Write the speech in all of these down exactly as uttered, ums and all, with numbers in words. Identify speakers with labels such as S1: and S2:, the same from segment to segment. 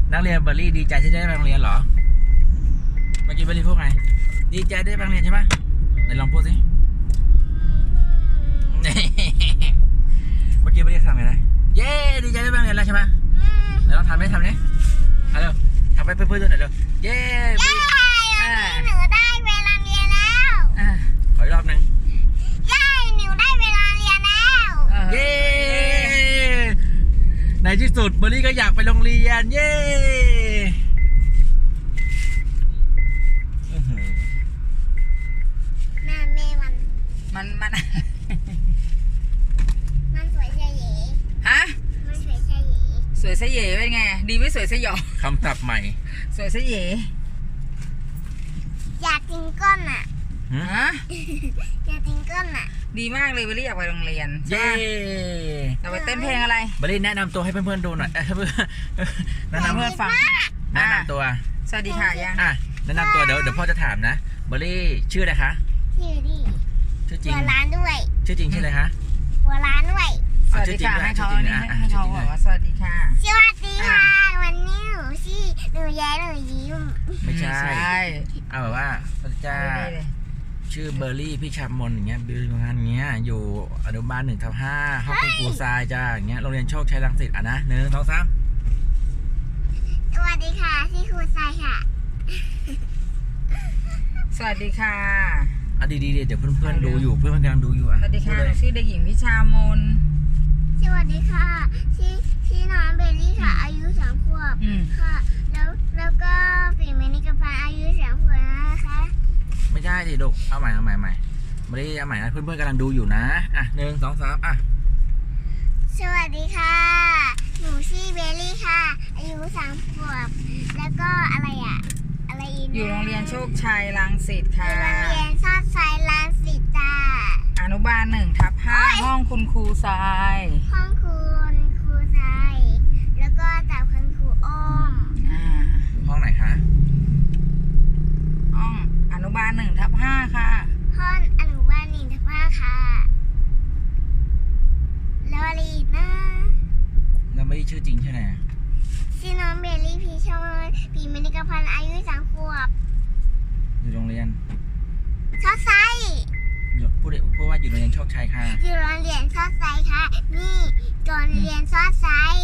S1: นักเรียนเบอร์รี่ดีใจที่ได้ไปโรงเรียนเหรอเมื่อกี้เบอร์รี่พูดไงดีใจได้ไปโรงเรียนใช่ไหมไหนลองพูดสิเมื่อกี้เบอร์รี่ทำไงนะเย้ดีใจได้ไปโรงเรียนแล้วใช่ไหมไหนลองทำไหมทำนี้เอาเร็วทำไปเพื่อนๆดูหน่อยเร็วเย้เย้
S2: หนูได้เวลาเรียนแล้ว
S1: ขออีกรอบหนึ่ง
S2: เย้หนูได้เวลาเรียนแล้ว
S1: เย้ในที่สุดเบอร์รี่ก็อยากไปโรงเรียนเย้
S2: แม่แม่มัน
S3: มันมัน
S2: มันสวยใช่หรือ
S3: ฮะ
S2: มันสวยใช่หรือ
S3: สวยซะเย่เป็นไงดีไม่สวยซะหยอก
S1: คำศัพท์ใหม่
S3: สวยซะเย่
S2: อยากกินก้อนอ่ะ
S3: ฮะ
S2: อยากกินก้อนอ่ะ
S3: ดีมากเลยเบอร์รี่อยากไปโรงเรียน
S1: เย้
S3: เราไปเต้นเพลงอะไร
S1: เบอร์รี่แนะนำตัวให้เพื่อนๆดูหน่อยเพื่อนแนะนำ
S3: เพื่อนฟัง
S1: แนะนำตัว
S3: สวัสดีค่ะยัง
S1: อ่ะแนะนำตัวเดี๋ยวเดี๋ยวพ่อจะถามนะเบอร์รี่ชื่ออะไรคะ
S2: ชื่อดิ
S1: ชื่อจริง
S2: หัวร้านด้วย
S1: ชื่อจริงชื่ออะไรคะ
S2: หัวร้านด้วย
S3: สวัสดีค่ะให้เขาให้เขาบอกว่าสวัสดีค่ะ
S2: สวัสดีค่ะวันนี้หนูชื่อหนูแย้หนูยิ้ม
S1: ไม่ใช่เอาแบบว่าพระเจ้าชื่อเบอร์รี่พี่ชามนอย่างเงี้ยบิวงานเงี้ยอยู่อนุบาลหนึ่งทับห้าห้องคุณครูทรายจ้าอย่างเงี้ยโรงเรียนโชคชัยรังสิตอ่ะนะหนึ่งสองสาม
S2: สวัสดีค่ะชื่อครูทรายค่ะ
S3: สวัสดีค่ะ
S1: อ่ะดีๆเดี๋ยวเพื่อนๆดูอยู่เพื่อนๆกำลังดูอยู่อ่ะ
S3: สวัสดีค่ะชื่อเด็กหญิงพิชามน
S2: สวัสดีค่ะชื่อชื่อน้องเบลลี่ค่ะอายุสามขวบค่ะแล้วแล้วก็ฝีมือนิกพันอายุสามขวบนะคะ
S1: ไม่ใช่ดิลูกเอาใหม่เอาใหม่ใหม่ไม่ได้เอาใหม่นะเพื่อนๆกำลังดูอยู่นะอ่ะหนึ่งสองสามอ่ะ
S2: สวัสดีค่ะหนูชื่อเบลลี่ค่ะอายุสามขวบแล้วก็อะไรอ่ะอะไรอีก
S3: อยู่โรงเรียนโชคชัยรังสิตค่ะ
S2: โรงเรียนโชคชัยรังสิตจ้า
S3: อนุบาลหนึ่งทับห้าห้องคุณครูทราย
S2: ห้องคุณครูทรายแล้วก็จากคุณครูอ้อม
S1: อ่าห้องไหนคะ
S3: ห้องอนุบาลหนึ่งทับห้าค่ะ
S2: ห้องอนุบาลหนึ่งทับห้าค่ะแล้วอะไรอีกนะ
S1: แล้วไม่ได้ชื่อจริงใช่ไหม
S2: ชื่อน้องเบลลี่พีชอนปีมินิกพันอายุสามขวบ
S1: อยู่โรงเรียน
S2: โชคชัย
S1: พูดพูดว่าอยู่โรงเรียนโชคชัยค่ะ
S2: อยู่โรงเรียนโชคชัยค่ะนี่ก่อนเรียนโชคชัย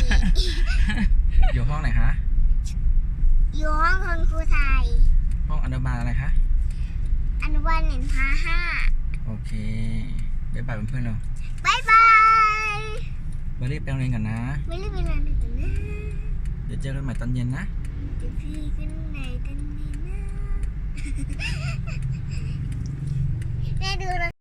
S1: อยู่ห้องไหนคะ
S2: อยู่ห้องคุณครูไทย
S1: ห้องอนุบาลอะไรคะ
S2: อนุบาลหนึ่งพาห้า
S1: โอเคบ๊ายบายเพื่อนๆเรา
S2: บ๊ายบาย
S1: เบอร์รี่ไปโรงเรียนกันนะ
S2: ไม่รีบไปโรงเรียนกันนะ
S1: เดี๋ยวเจอกันใหม่ตอนเย็นนะ
S2: เดี๋ยวพี่กันไหนกันดีนะ